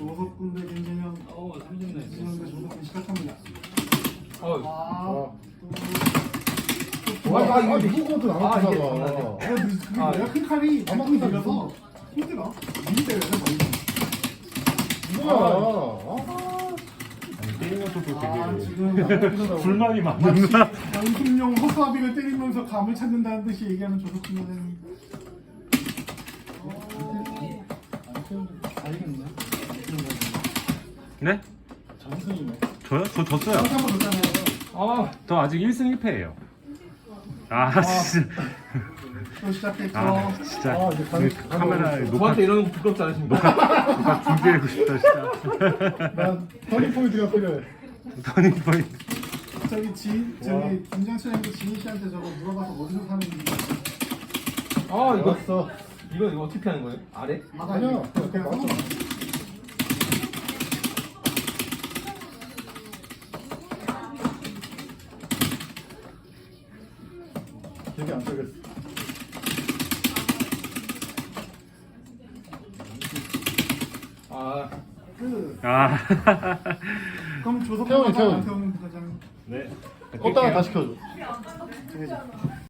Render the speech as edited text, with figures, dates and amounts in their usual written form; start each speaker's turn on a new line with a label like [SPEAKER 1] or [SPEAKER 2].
[SPEAKER 1] 조석군 대 김진영.
[SPEAKER 2] 삼진네.
[SPEAKER 1] 김진영 대 조석군 시작합니다.
[SPEAKER 2] 어.
[SPEAKER 3] 누구도 나만 크다가.
[SPEAKER 1] 내가 큰 칼이 발등이 들려서 힘들어. 미리 때려야 돼.
[SPEAKER 3] 뭐야?
[SPEAKER 2] 게임에서도
[SPEAKER 1] 지금
[SPEAKER 2] 불만이
[SPEAKER 1] 마치
[SPEAKER 2] 많나?
[SPEAKER 1] 연습용 허수아비를 때리면서 감을 찾는다는 듯이 얘기하는 조석군 선생님. 알겠네.
[SPEAKER 2] 네?
[SPEAKER 1] 전승이네.
[SPEAKER 2] 저요? 저 졌어요.
[SPEAKER 1] 한번 줬잖아요.
[SPEAKER 2] 저 아직 1승 1패예요. 진짜.
[SPEAKER 1] 또 시작했죠.
[SPEAKER 2] 진짜. 카메라에 녹화
[SPEAKER 4] 저한테 이런 거 부끄럽지 않으십니까?
[SPEAKER 2] 녹화 준비하고 싶다 진짜.
[SPEAKER 3] 난 터닝 포인트가 필요해.
[SPEAKER 2] 터닝 포인트.
[SPEAKER 1] 저기 김장철님도 지인 씨한테 저거 물어봐서 어디서 사는지.
[SPEAKER 4] 이거 어떻게 하는 거예요? 아래?
[SPEAKER 3] 아니야.
[SPEAKER 1] 그냥
[SPEAKER 3] 맞아. 되게 안 되겠어.
[SPEAKER 1] 그럼 조석군
[SPEAKER 3] 태훈이,
[SPEAKER 1] 과장
[SPEAKER 3] 태훈이.
[SPEAKER 1] 안태훈 과장.
[SPEAKER 2] 네.
[SPEAKER 3] 껐다가 다시 켜줘.